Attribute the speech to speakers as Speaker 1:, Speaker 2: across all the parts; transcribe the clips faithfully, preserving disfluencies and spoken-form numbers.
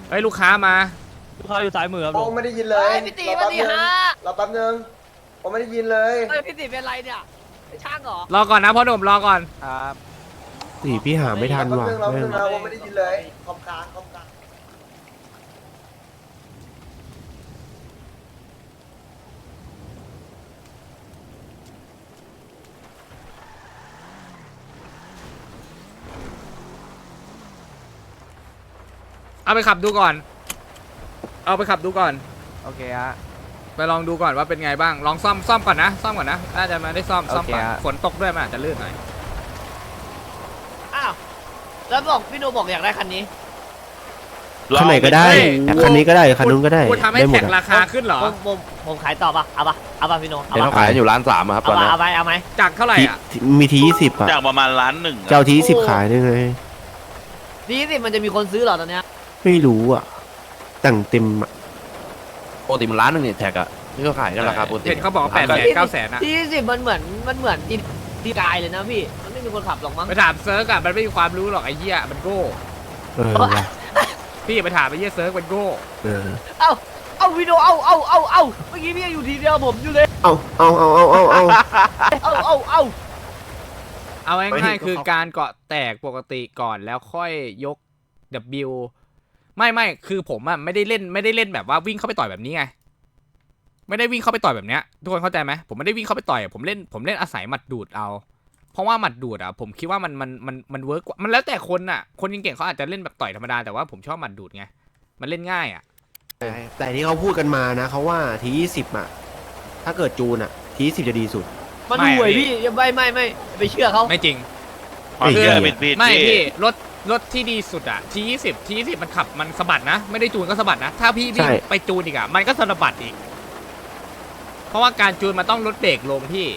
Speaker 1: เฮ้ยลูกค้ามา
Speaker 2: ลูกค้าอยู่ซ้ายมือครับ
Speaker 3: โอ้
Speaker 2: ลุง
Speaker 3: ไม่ได้ยินเลย
Speaker 4: พี่ตีวันดีฮะ
Speaker 3: รอแป๊บนึงผมไม่ได้ยินเลย
Speaker 4: เฮ้ยพี่ตีเป็นไรเนี่ยเป็นช่างเหรอ
Speaker 1: รอก่อนนะพ่อหนุ่มรอก่อน
Speaker 2: ครับ
Speaker 5: สี่พี่หาไม่ทัน
Speaker 3: แป๊บ
Speaker 5: ว่ะ
Speaker 3: นึงรอแป๊บนึง
Speaker 5: แม่ง
Speaker 3: นะผมไม่ได้ยินเลยคอมกลางคอมกลาง
Speaker 1: เอาไปขับดูก่อน เอาไปขับดูก่อน
Speaker 2: โอเคฮะ
Speaker 1: ไปลองดูก่อนว่าเป็นไงบ้างลองซ่อมซ่อมก่อนนะซ่อมก่อนนะน่าจะมาได้ซ่อมซ่อมก่อน
Speaker 2: โอเคฮะ
Speaker 1: ฝนตกด้วยมันอาจจะลื่นหน่อย
Speaker 4: อ้าวแล้วบอกพี่โนบอกอยากได้คันนี้
Speaker 5: คันไหนก็ได้
Speaker 1: เฮ้ย
Speaker 5: แต่คันนี้ก็ได้คันนู้นก็ได้
Speaker 1: กูทำให้
Speaker 5: ได้หม
Speaker 1: แท็
Speaker 5: ด
Speaker 1: ก
Speaker 5: อะ
Speaker 1: ราคาขึ้นเหรอ
Speaker 4: ผมผมผมขายต่อปะเอาปะเอาปะพี่โนเอา
Speaker 6: เห็น
Speaker 4: ปะ
Speaker 6: เขาขายอยู่ร้านสามอะครับต
Speaker 4: เอา
Speaker 6: อน
Speaker 4: ปะ
Speaker 6: นี้
Speaker 4: เอาไปเอาไหม
Speaker 1: จากเท่าไหร่
Speaker 5: ที่
Speaker 1: อ่ะ
Speaker 5: ที่มีทียี่สิบอะ
Speaker 6: จากประมาณล้านหนึ่งอะ
Speaker 5: เจ้าทียี่สิบขายได้ไง
Speaker 4: ดีสิมันจะมีคนซื้อเหรอตอนเนี้ย
Speaker 5: ไม่รู้อ่ะแต่งเต็มอะ
Speaker 6: ปกติมันล้านหนึ่งเนี่ยแท็กอะที่เขาขายกันราคาปกติ
Speaker 1: เห็นเขาบอกว่าแปดแสนเก้าแสนอะ
Speaker 4: ที่สิบมันเหมือนมันเหมือนที่ที่กายเลยนะพี่มันไม่มีคนขับหรอกมั้ง
Speaker 1: ไปถามเซิร์กอะมันไม่มีความรู้หรอกไอ้เหี้ยมันโง่
Speaker 5: เออว่ะ
Speaker 1: พี่อย่าไปถามไอ้เหี้ยเซิร์กมันโง่
Speaker 5: เออ
Speaker 4: เอ้าเอ้าพี่โนเอาเอาเอาเอาเมื่อกี้พี่ยังอยู่ทีเดียวผมอยู่เลย
Speaker 5: เอาเอาเอาเอาเอาเอา
Speaker 4: เอาเอาเอา
Speaker 1: เอาง่ายๆคือการเกาะแตกปกติก่อนแล้วค่อยยก W ไม่ไม่คือผมอะไม่ได้เล่นไม่ได้เล่นแบบว่าวิ่งเข้าไปต่อยแบบนี้ไงไม่ได้วิ่งเข้าไปต่อยแบบเนี้ยทุกคนเข้าใจไหมผมไม่ได้วิ่งเข้าไปต่อยผมเล่นผมเล่นอาศัยหมัดดูดเอา เพราะว่าหมัดดูดอะผมคิดว่ามันมันมันมันเวิร์กกว่ามันแล้วแต่คนอะคนเก่งๆเขาอาจจะเล่นแบบต่อยธรรมดาแต่ว่าผมชอบหมัดดูดไงมันเล่นง่ายอะ
Speaker 5: แต่แต่ที่เขาพูดกันมานะเขาว่าทียี่สิบอะถ้าเกิดจูนอะทียี่สิบจะดีสุด
Speaker 4: มันห่วยพี่ไม่ไม่ไม่ไปเชื่อเขา
Speaker 1: ไม่จริง
Speaker 6: ความเชื่อผิดผิด
Speaker 1: ไม่พี่รถรถที่ดีสุดอะทียี่สิบทียี่สิบมันขับมันสะบัดนะ ไม่ได้จูนก็สะบัดนะ ถ้าพี่วิ่ง
Speaker 5: ใช่
Speaker 1: ไปจูนอีกอะมันก็สะบัดอีก เพราะว่าการจูนมันต้องลดเบรกลงพี่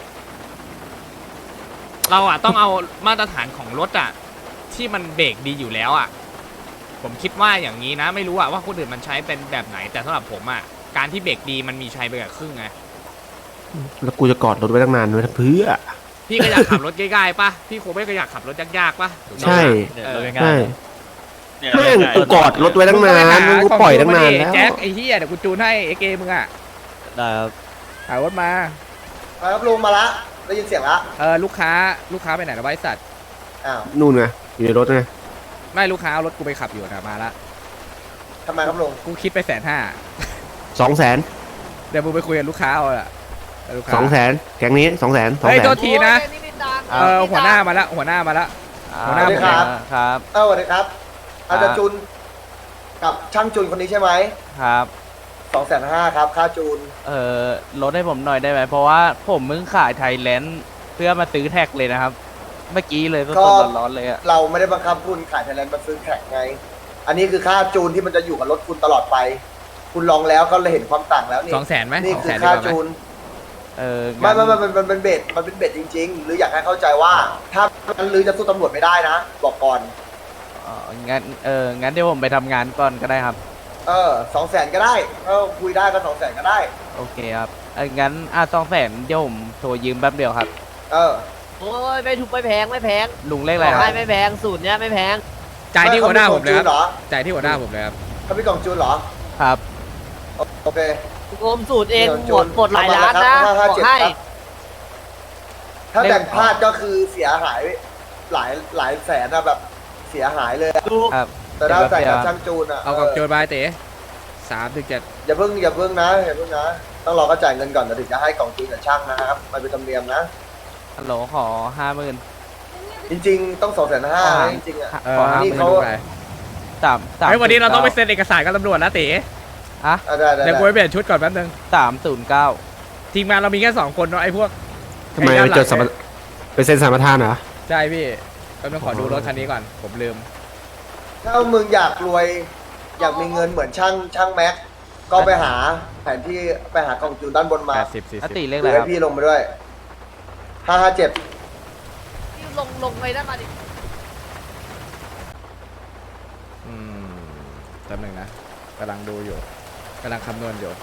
Speaker 1: เราอะต้องเอามาตรฐานของรถอะที่มันเบรกดีอยู่แล้วอะผมคิดว่าอย่างนี้นะ ไม่รู้อะว่าคนอื่นมันใช้เป็นแบบไหน แต่สำหรับผมอะการที่เบรกดีมันมีใช้ไปกับครึ่งไง
Speaker 5: แล้วกูจะกอดรถไว้ตั้งนานไว้เพื่อ
Speaker 1: พี่ก็อยากขับรถง่ายๆป่ะพี่โคไม่ก็อยากขับรถยากๆป่ะถูกต้อง
Speaker 5: ใช่
Speaker 1: ปะเออ
Speaker 5: ใช่
Speaker 6: เนี่ย
Speaker 5: แม่งกูกอดรถไว้ตั้งนานมึงกูปล่อยตั้งนานแล้ว
Speaker 1: แจ็คไอ้เหี้ยเดี๋ยวกูจูนให้ไอ้เกมึงอ่ะ
Speaker 2: ได้ครับ
Speaker 1: หารถมา
Speaker 3: มาครับลุงมาละได้ยินเสียงละ
Speaker 1: เออลูกค้าลูกค้าไปไหนนะบริษัท
Speaker 3: อ้าว
Speaker 5: นู่นไงอยู่ในรถไง
Speaker 1: ไม่ลูกค้าเอารถกูไปขับอยู่นะมาละ
Speaker 3: ทำไมครับลุง
Speaker 1: กูคิดไปแสนห้า
Speaker 5: สองแสน
Speaker 1: เดี๋ยวมึงไปคุยกับลูกค้าเอาละลูกค้า
Speaker 5: สองแสนแก๊งนี้สองแสนสอง
Speaker 1: เฮ้ย
Speaker 5: แสน
Speaker 1: โทษทีนะ
Speaker 4: โอ้ยไม่ตังค์
Speaker 1: เออหัวหน้ามาละหัวหน้ามาละ หัวหน้า
Speaker 3: สวัสดีครับ
Speaker 2: ครับ
Speaker 3: เอ้าสวัสดีครับอาจารย์จุนกับช่างจุนคนนี้ใช่ไหม
Speaker 2: ครับ
Speaker 3: สองแสนห้าครับค่าจูน
Speaker 2: เอ่อลดให้ผมหน่อยได้ไหมเพราะว่าผมมึงขายไทยแลนด์เพื่อมาซื้อแท็กเลยนะครับ เมื่อกี้เลยสดๆร้อนๆเลยอะ
Speaker 3: เราไม่ได้บังคับคุณขายไทยแลนด์มาซื้อแข่งไง อันนี้คือค่าจูนที่มันจะอยู่กับรถคุณตลอดไป คุณลองแล้วก็เลยเห็นความต่างแล้วนี่
Speaker 1: สองแสนไหม
Speaker 3: นี่
Speaker 1: สอง
Speaker 3: คื
Speaker 1: แส
Speaker 3: อน
Speaker 1: ดี
Speaker 3: ค่าก
Speaker 1: ว่าไหม
Speaker 3: จูน
Speaker 2: เออ
Speaker 3: ไม่
Speaker 2: งั้น
Speaker 3: ไม่ไม่มันมันเป็นเบ็ดมันเป็นเบ็ดจริง ๆ หรืออยากให้เข้าใจว่า ถ้ามันลือจะสู้ตำรวจไม่ได้นะ บอกก่อน
Speaker 2: อ๋องั้นเอองั้นเดี๋ยวผมไปทำงานก่อนก็ได้ครับ
Speaker 3: เออสองแสนก็ได้ถ้าคุยได้ก็สองแสนก็ได้
Speaker 2: โอเคครับเอองั้นอ่ะสองแสนเดี๋ยวผมโทรยืมแป๊บเดียวครับ
Speaker 3: เออ
Speaker 4: โอ้ยไม่ถูกไม่แพงไม่แพง
Speaker 2: ลุงเลขอะไรครับ
Speaker 4: ไม่ไม่แพงสูตรเนี้ยไม่แพง
Speaker 1: จ่ายที่หัวหน้าผมเลยค
Speaker 3: จูนเหร
Speaker 1: รับ
Speaker 3: อ
Speaker 1: จ่ายที่หัวหน้าผมเลยครับ
Speaker 3: เขามีกล่องจูนเหรอ
Speaker 2: ครับ
Speaker 3: โอเค
Speaker 4: รวมสูตรเอง
Speaker 3: มีกล่
Speaker 4: หมดหมดหลายร้านนะ
Speaker 3: ห้าห้า
Speaker 4: บอ
Speaker 3: เจ็ด
Speaker 4: กให้
Speaker 3: ครับ ถ้าแบ่งพลาดก็คือเสียหายหลายหลายแสนนะแบบเสียหายเลยอะ
Speaker 4: ดู
Speaker 2: ครับ
Speaker 3: แต่ถ้าใส่กับช่างจูนอ่ะ
Speaker 1: เอากล่องโจรไปเต๋สามถึงเจ็ด
Speaker 3: อย่าเพิ่งอย่าเพิ่งนะอย่าเพิ่งนะ ต้องรอเขาจ่ายเงินก่อนถึงจะให้กล่องจูนกับช่างนะครับมันเป็นธรรมเนียมนะ
Speaker 2: ฮัลโหลขอห้าหมื่น
Speaker 3: จริงๆ ต้องสองแสนห้าจริงๆอ่ะ
Speaker 1: เออ
Speaker 2: ขอ
Speaker 1: ห้า
Speaker 2: ห้า
Speaker 1: ห
Speaker 2: ห
Speaker 1: มื่
Speaker 2: มื่
Speaker 1: น
Speaker 2: น
Speaker 3: เขา
Speaker 1: ไป
Speaker 2: สามสาม
Speaker 1: เฮ้ยวันนี้เราต้องไปเซ็นเอกสารกับตำรวจแล้วเต๋
Speaker 2: อะ
Speaker 3: อ่ะได้ได้
Speaker 1: เดี๋ยวกูไปเปลี่ยนชุดก่อนแป๊บนึง
Speaker 2: สามศูนย์เก้า
Speaker 1: ทีมงานเรามีแค่สองคนเนาะไอ้พวก
Speaker 5: ทำไมไปจดสัมปไปเซ็นสัมปทานเหรอ
Speaker 1: ใช่พี่แป๊บนึงขอดูรถคันนี้ก่อนผมลืม
Speaker 3: ถ้ามึงอยากรวย อยากมีเงินเหมือนช่างช่างแม็ก ก็ไปหาแผนที่ไปหากล่องจูนด้านบนมา
Speaker 1: แปดสิบสี่
Speaker 2: อ
Speaker 1: สิบ
Speaker 2: ติเลข
Speaker 3: ห
Speaker 2: อะไร
Speaker 3: รือ
Speaker 2: ค
Speaker 3: ให้
Speaker 2: รับ
Speaker 3: พี่ลงมาด้วยห้าห้าเจ็ด
Speaker 4: ลงลงไปได้มาดิ
Speaker 1: อืมแป๊บนึงนะกำลังดูอยู่กำลังคำนวณอยู่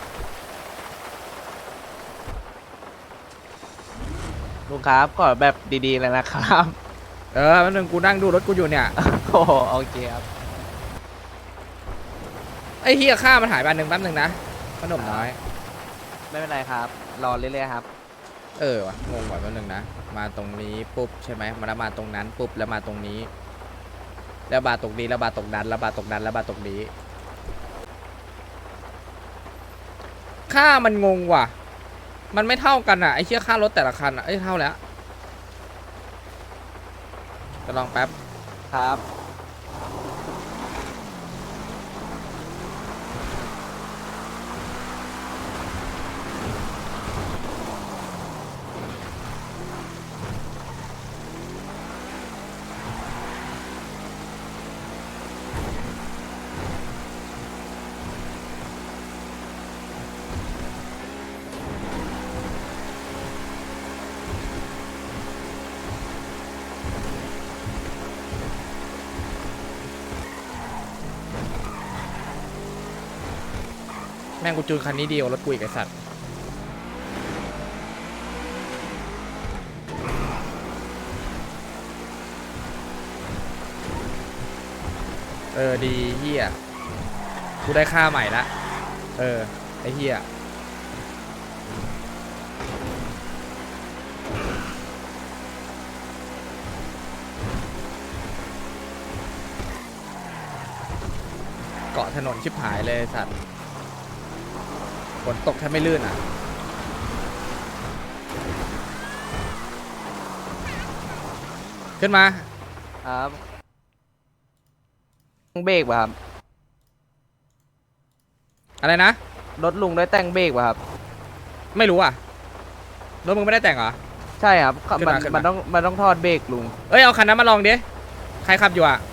Speaker 2: ลุงครับขอแบบดีๆเลยนะครับ
Speaker 1: เออแป๊บนึงกูนั่งดูรถกูอยู่เนี่ย
Speaker 2: โอ้โหโอเคครับ
Speaker 1: ไอ้เฮียค่ามันหายไปอันหนึ่งแป๊บหนึ่งนะขนมน้อย
Speaker 2: ไม่เป็นไรครับ รอเรื่อยๆครับ
Speaker 1: เออวะงงว่ะแป๊บหนึงนะมาตรงนี้ปุ๊บใช่ไหมมาแล้วมาตรงนั้นปุ๊บแล้วมาตรงนี้ แล้วมาตรงนี้แล้วมาตรงนั้นแล้วมาตรงนั้นแล้วมาตรงนี้ค่ามันงงว่ะ มันไม่เท่ากันอ่ะไอ้เชี่ยค่ารถแต่ละคันอ่ะเอ้ยเท่าแล้วจะลองแป๊บ
Speaker 2: ครับ
Speaker 1: แม่งกูจูนคันนี้เดียวรถกูอีกไอสัตว์เออดีเฮียกูได้ค่าใหม่ละเออไอเฮียเกาะถนนชิบหายเลยไอ้สัตว์ฝนตกแทบไม่ลื่นอ่ะขึ้นมา
Speaker 2: ครับต้องเบรกป่ะครับ
Speaker 1: อะไรนะ
Speaker 2: รถลุงได้แต่งเบรกป่ะครับ
Speaker 1: ไม่รู้อ่ะรถมึงไม่ได้แต่งเหรอ
Speaker 2: ใช่ครับ
Speaker 1: ขึ้น
Speaker 2: มัน
Speaker 1: มาขึ้นมา
Speaker 2: มันต้องมันต้องทอดเบรกลุง
Speaker 1: เอ้ยเอาคันนั้นมาลองดิใครขับอยู่อ่ะ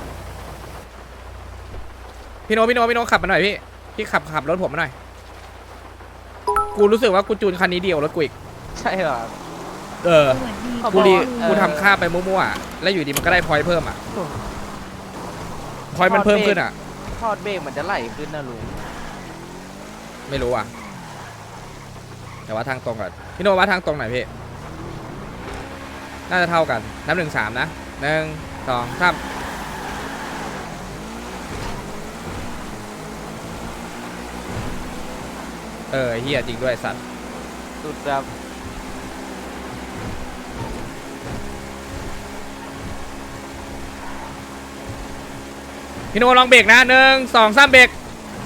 Speaker 1: พี่โนพี่โนพี่โนขับมาหน่อยพี่พี่ขับขับรถผมมาหน่อยกูรู้สึกว่ากูจูนคันนี้เดียวรถกูอีก
Speaker 2: ใช่เหรอครับ
Speaker 1: เออ
Speaker 2: เขา
Speaker 1: กู
Speaker 2: บอก
Speaker 1: ดี
Speaker 2: ว่าเออ
Speaker 1: กูทำค่าไปมั่วๆอะแล้วอยู่ดีมันก็ได้พอยต์เพิ่มอ่ะพอยต์มันเพิ่มขึ้นอ่ะ
Speaker 2: ทอดเบรกมันจะไหลขึ้นนะลุง
Speaker 1: ไม่รู้อ่ะแต่ว่าทางตรงก่อนพี่โนว่าทางตรงไหนพี่น่าจะเท่ากันนับหนึ่งสามนะหนึ่งสองสามเออเฮียจริงด้วยสัตว์
Speaker 2: สุดครับ
Speaker 1: พี่โนลองเบรกนะหนึ่งสองสามเบรก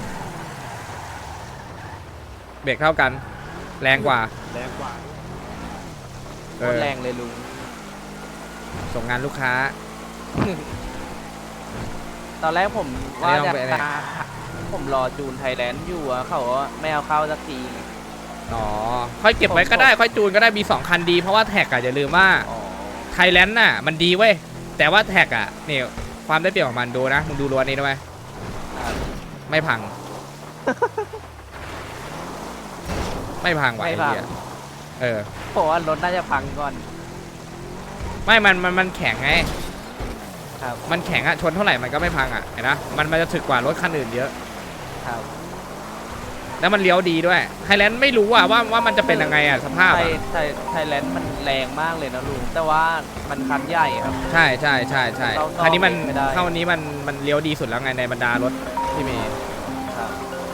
Speaker 1: เบรกเท่ากันแรงกว่า
Speaker 5: แรงกว่า
Speaker 2: โค
Speaker 1: เอ
Speaker 2: ตร
Speaker 1: อ
Speaker 2: แรงเลยลุง
Speaker 1: ส่งงานลูกค้า
Speaker 2: ตอนแรกผมว่า
Speaker 1: ไม่ต้
Speaker 2: จะ
Speaker 1: องไปเนี่ย
Speaker 2: ตาผมรอจูนไทยแลนด์อยู่อะเขาว่าไม่เอาเข้าสักทีไง
Speaker 1: อ๋อค่อยเก็บไว้ก็ได้ค่อยจูนก็ได้มีสองคันดีเพราะว่าแท็กอะอย่าลืมว่า
Speaker 2: อ๋อ
Speaker 1: ไทยแลนด์น่ะมันดีเว้ยแต่ว่าแท็กอะนี่ความได้เปรียบของมันดูนะมึงดูรั้วนี้ด้วย
Speaker 2: ครับ
Speaker 1: ไม่พัง ไม่พังว่ะ
Speaker 2: ไม่
Speaker 1: ไอ้
Speaker 2: พัง
Speaker 1: เหี้ยเออ
Speaker 2: ผมว่ารถน่าจะพังก่อน
Speaker 1: ไม่มันมันมันแข็งไง
Speaker 2: ครับ
Speaker 1: มันแข็งอะชนเท่าไหร่มันก็ไม่พังอะเห็นนะมันมันจะถึกกว่ารถคันอื่นเยอะ
Speaker 2: ครับ
Speaker 1: แล้วมันเลี้ยวดีด้วยไฮแลนด์ไม่รู้อะว่าว่ามันจะเป็นยังไงอะสภาพ
Speaker 2: ไท
Speaker 1: อะ
Speaker 2: ยไทยไทยแลนด์มันแรงมากเลยนะลุงแต่ว่ามันคันใหญ่ครับ
Speaker 1: ใช่ใช่ใช่ใช่
Speaker 2: เรา
Speaker 1: คันนี้มัน
Speaker 2: ไม่ได้
Speaker 1: เท่านี้มันมันเลี้ยวดีสุดแล้วไงในบรรดารถที่มี
Speaker 2: ครับ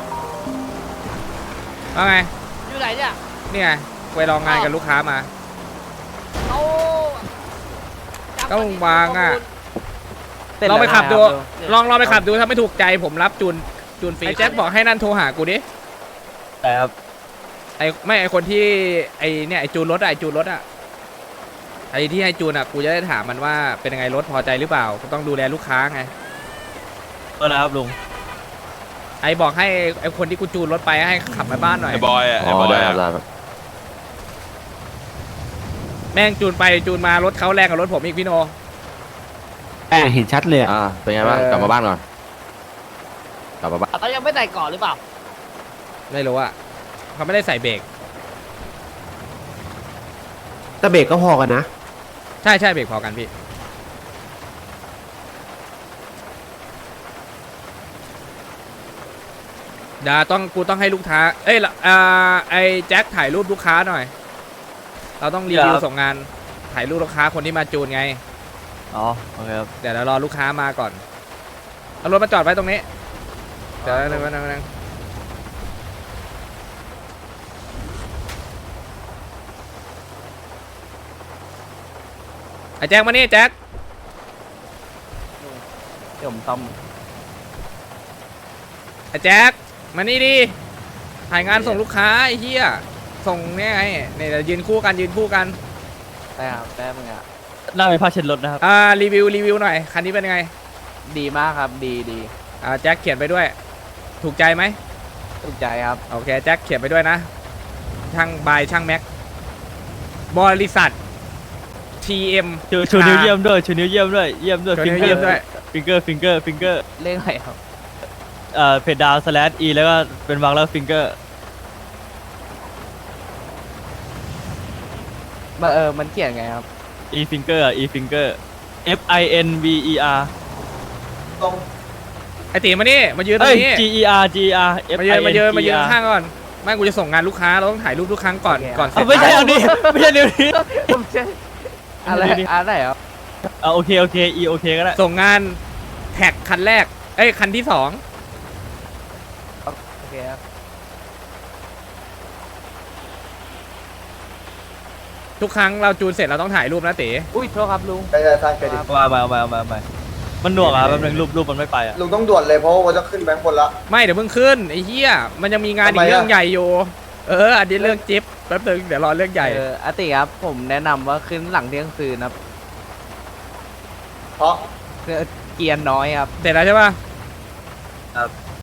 Speaker 1: ว่าไง
Speaker 4: อยู่ไหนเนี่ย
Speaker 1: นี่ไงไปลองงานกับลูกค้ามา
Speaker 4: เขา
Speaker 1: ต้องวางอะ
Speaker 2: เสร็จ
Speaker 1: ลองไป
Speaker 2: แล้ว
Speaker 1: ขับดู
Speaker 2: นะครับ
Speaker 1: ลองลองไปขับดูถ้าไม่ถูกใจผมรับจูนจูนฟรีไอ้แจ็คบอกให้นั่นโทรหากูดิ
Speaker 2: แต่ครับ
Speaker 1: ไอ้ไม่ไอ้คนที่ไอ้เนี่ยไอ้จูนรถอะไอ้จูนรถอะไอ้ที่ให้จูนอะกูจะได้ถามมันว่าเป็นยังไงรถพอใจหรือเปล่ากูต้องดูแลลูกค้าไง
Speaker 2: เออครับลุง
Speaker 1: ไอ้บอกให้ไอ้คนที่กูจูนรถไปให้ขับมาบ้านหน่อย
Speaker 6: ไอ้บอยอ่ะ
Speaker 5: อ๋
Speaker 6: ไอ้บ
Speaker 5: อ
Speaker 6: อย
Speaker 5: ได้ค
Speaker 6: อะ
Speaker 5: รับได้ครับ
Speaker 1: แม่งจูนไปจูนมารถเขาแรงกว่ารถผมอีกพี่โน
Speaker 5: แอบเห็นชัดเลยอะ
Speaker 6: อ่าเป็นไงบ้าง
Speaker 1: เออ
Speaker 6: กลับมาบ้านก่อนกลับมาบ้าน
Speaker 4: เขายังไม่ใส่ก่อนหรือเปล่า
Speaker 1: ไม่รู้อะเขาไม่ได้ใส่เบรก
Speaker 5: แต่เบรกก็พอกันนะ
Speaker 1: ใช่ใช่เบรกพอกันพี่เดี๋ยวต้องกูต้องให้ลูกค้าเอ้ยละอ่าไอ้แจ็คถ่ายรูปลูกค้าหน่อย เราต้องรีวิวส่งงานถ่ายรูปลูกค้าคนที่มาจูนไง
Speaker 2: อ๋อโอเคครับ
Speaker 1: เดี๋ยวเรารอลูกค้ามาก่อนเอารถมาจอดไว้ตรงนี้เดี๋ยวนึงนึงนึงไอ้แจ็คมานี่แจ็ค
Speaker 2: เดี๋ยวผมซ่อม
Speaker 1: ไอ้แจ็คมานี่ดิถ่ายงานส่งลูกค้าไอ้เหี้ยส่งเนี่ยไงเนี่ยเดี๋ยวยืนคู่กันยืนคู่กัน
Speaker 2: ได้ครับได้มึงอ่ะ
Speaker 7: หน้าเป็นผ้าเช็ดรถนะครับ
Speaker 1: อ่ารีวิวรีวิวหน่อยคันนี้เป็นไง
Speaker 2: ดีมากครับดีดี
Speaker 1: อ่าแจ็คเขียนไปด้วย ถูกใจไหม
Speaker 2: ถูกใจครับ
Speaker 1: โอเคแจ็คเขียนไปด้วยนะ ช่างบายช่างแม็กบริษัท ที เอ็ม
Speaker 7: ชูชูนิ้วเยี่ยมด้วยชูนิ้วเยี่ยมด้วยเยี่ยมด้วย
Speaker 1: ชูนิ้วเยี่ยมด้วย
Speaker 7: ฟิงเกอร์ฟิงเกอร์ฟิงเกอร์
Speaker 2: เลขอะไรครับ
Speaker 7: เอ่อเพจดาวสแลชอีแล้วก็เป็นวางแล้วฟิงเกอร์
Speaker 2: มาเออมันเขียนไงครับ
Speaker 7: อีฟิงเกอร์อีฟิงเกอร์ F I N V E R
Speaker 3: ตรง
Speaker 1: ไอตีมานี่มายืนตร
Speaker 7: เอ้ย
Speaker 1: งนี้
Speaker 7: G E R G E R F
Speaker 1: มา
Speaker 7: I
Speaker 1: ยืน
Speaker 7: N
Speaker 1: มายืน
Speaker 7: G
Speaker 1: มา
Speaker 7: E
Speaker 1: ยืน
Speaker 7: R
Speaker 1: ข้างก่อนไม่กูจะส่งงานลูกค้าเราต้องถ่ายรูปทุกครั้งก่อน
Speaker 2: โอเค
Speaker 1: ก่อนเสร็
Speaker 7: เอา
Speaker 1: จ
Speaker 7: ไม่ใช่เอานี้ไม่ใช่นิ้วนี้
Speaker 2: ไม่ใช่อะไรอะไรครับ
Speaker 7: เอาโอเคโอเค E โอเคก็ได้
Speaker 1: ส่งงานแท็กคันแรกเอ้ยคันที่สอง
Speaker 2: โอเคครับ
Speaker 1: ทุกครั้งเราจูนเสร็จเราต้องถ่ายรูปนะเต๋
Speaker 2: อุ้ยโทษครับลุง
Speaker 3: ไปจะสร้างเครดิต
Speaker 7: มามามามามามันหน่วงอ่ะแป๊บนึงรูปรูปมันไม่ไปอ่ะ
Speaker 3: ลุงต้องด่วนเลยเพราะว่าจะขึ้นแบงค์บนละ
Speaker 1: ไม่เดี๋ยวเพิ่งขึ้นไอ้เหี้ยมันยังมีงานอี
Speaker 3: ทำ
Speaker 1: ก
Speaker 3: ไมอะ
Speaker 1: เรื่องใหญ่อยู่เอออันนี้เรื่องจิ๊บแป๊บนึงเดี๋ยวรอเรื่องใหญ่
Speaker 2: เอออาติครับผมแนะนำว่าขึ้นหลังเที่ยงคืนนะครับ
Speaker 3: เพราะ
Speaker 2: เพื่อเกียร์น้อยครับ
Speaker 1: เสร็จแล้วใช่ป่ะ
Speaker 2: ครับ